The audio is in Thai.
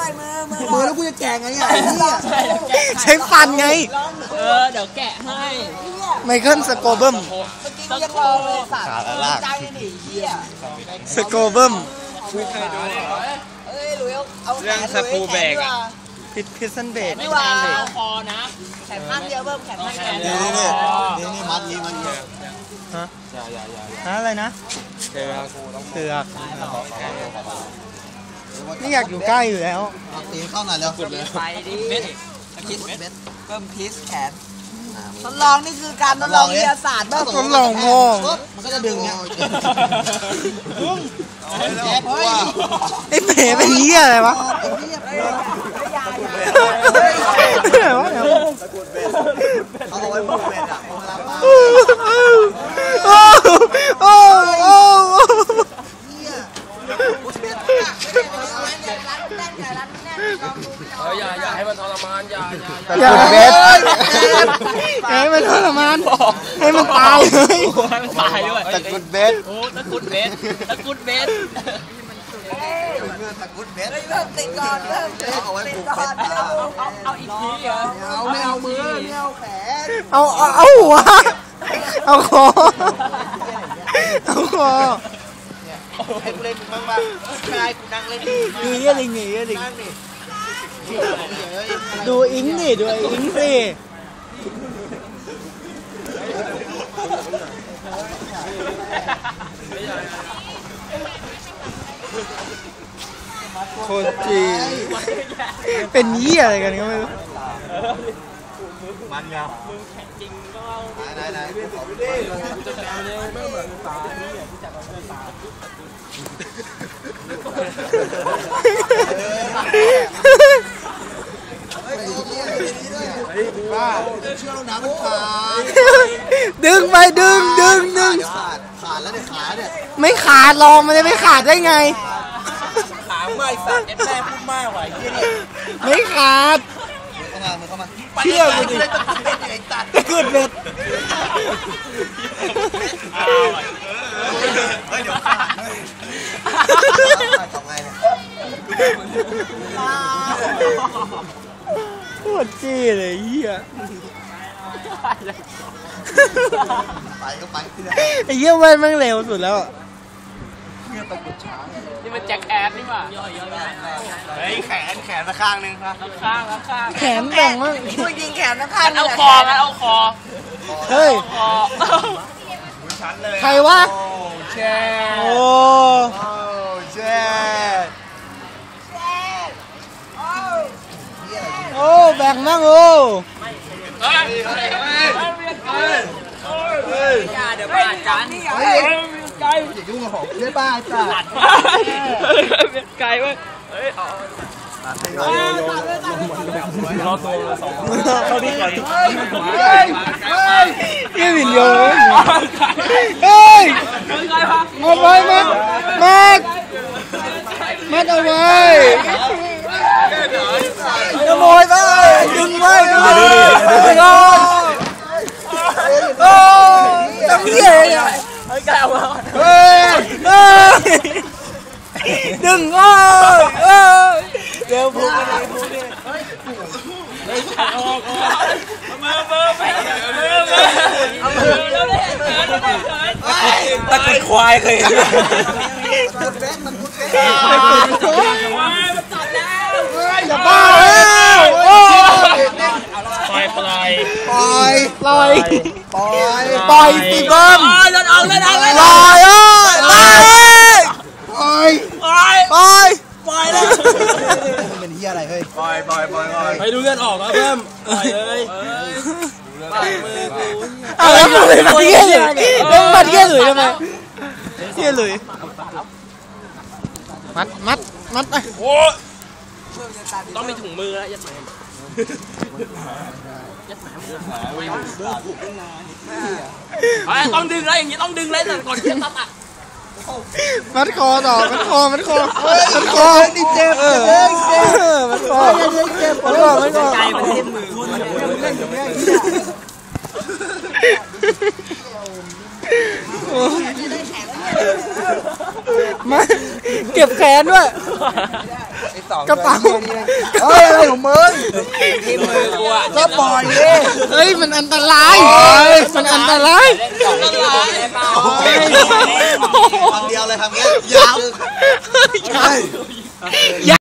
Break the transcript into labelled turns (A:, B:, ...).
A: มือแล้วกูจะแกะไงเนี่ย
B: ใช้ฟันไง
C: เดี๋ยวแกะให้
B: ไมเคิลสโกเบิมสโกเบิม
C: เรื่องสกูเบกอะ
B: พิซซันเบก
C: ไม่ว่าคอนะ
D: แขนข้างเดียวเพิ่มแขนข้างเดียว
A: นี่มัดนี้
B: ฮะอะไรนะเสือกนี่อยากอยู่ใกล้อยู่แล้ว
A: ตีเข้าหน่อยแล้ว
D: ไปดิคิดเพิ่มพีซแขนทดลองนี่คือการทดลองวิทยาศาสตร์บ้าง
B: ทดลองโง่
A: มันก็จะดึงเนี่ย
B: ไอ้เป๋เป็นเหี้ยอะไรวะ
A: เอาไว้พูดเป็นอ่ะ
C: อย่าให้มันทรมานอย่า
B: เบสให้มันทรมานให้มันตายเลย
C: ให้มันตายด้วย
A: ตะกุดเบส
C: โอ้ตะกุดเบสตะกุดเบส
A: ตะกุดเบส
D: เพิ่มติดก่อนเพิ่ม
A: เอาไว้ผูกเบส
C: เอาอีกทีเหรอ
A: ไม่เอามือไม่เอาแขน
B: เอาหัวเอาคอเอาคอ
A: ให้กูเล่นมึงบ้างใช่กูนั่งเล่น
B: นี่ลิงนี่ลิงดูอิงดิดูอิงสิโคตรจีเป็นยี่อะไรกันก็ไม่รู้
A: มันเนี่ย
C: จริงก็
A: ไหน
C: จะแปลเนี่ยไม่เหมือนตาที่จับด้วยตา
A: บ้าเชื่อเราหนามันขาด
B: ดึงไปดึงขาด
A: แล้วเนี่ยขาเนี่ย
B: ไม่ขาดลองมันจะไม่ขาดได้ไง
C: ขาไม่สัตว์แม่พูดมากว่ะ
B: ไม่ขาด
A: เข้ามา
B: เชื่อกูดิตะกุดเบ็ด
A: เดี๋ยวทำไงเนี่ย
B: โคตรจี้เลยเฮีย
A: ไปก็ไป
B: ไอ้เหี้ยมันเร็วสุดแล้ว
C: นี่มันแจ็คแอนนี่ป่ะ
A: เฮ้ยแขนสักข้างนึงครับ
C: ข้าง
B: แขนแบ่งมั้ง
D: พูดยิงแขนข้าง
C: เอาคอเอาคอ
B: เฮ้ยใครวะ
A: แช่
B: โอ้
A: แช่
B: โอ้แบ่งมั้งโอ้
C: เดี๋ยวบ้ากัน
A: ไก่อย่ายุ่งกับผมเดี๋ยวบ้าจ้ะ
C: ไก่เว้ยเฮ้ยรอตัวสองเขาดีกว่า
B: ยี่วินโยเฮ้ยมาไว้มาเอาไว้ขโมยไปดึงไว้ดูโอ้ตั้งเหี้ยอ่ะ
C: ไก่เอามา
B: เฮ้ยดึงเดี๋ยวพูด
C: ตะกุดควายเคยเห็น
B: อย่าบ้า
C: ป
B: ล่อยสิเบิ้ม
C: เล่นเอา
B: ปล่อย
A: เลยเป็นเหี้ยอะไรเฮ้ยปล่อย
C: ไปดูเงินออกแล้วเพิ่มปล่อยเลย
B: แล้วมันเหี้ยหลุยทำไมเหี้ยหลุยมัด
C: โอ้ต้องมีถุงมือแล้วยัดแหมต้องดึงแล้วอย่างนี้ต้องดึงเลยแต่ก่อนจะตัด
B: มัดคอต่อมัดคอ
A: นี่เจ็บ
B: มัดคอ
C: ใจมันเล่นมือ
B: มาเก็บแขนด้วย
D: 12
B: กระเป๋า
A: เฮ้ยอะไรของมึง
D: ที่มือกูอ่ะ
A: ก็ปล่อยดิ
B: เฮ้ยมันอันตรายมันอันตราย
D: เล่น2 นิ้วได้เปล่า
A: คำเดียวเลยคำนี้ยาว
B: ใช่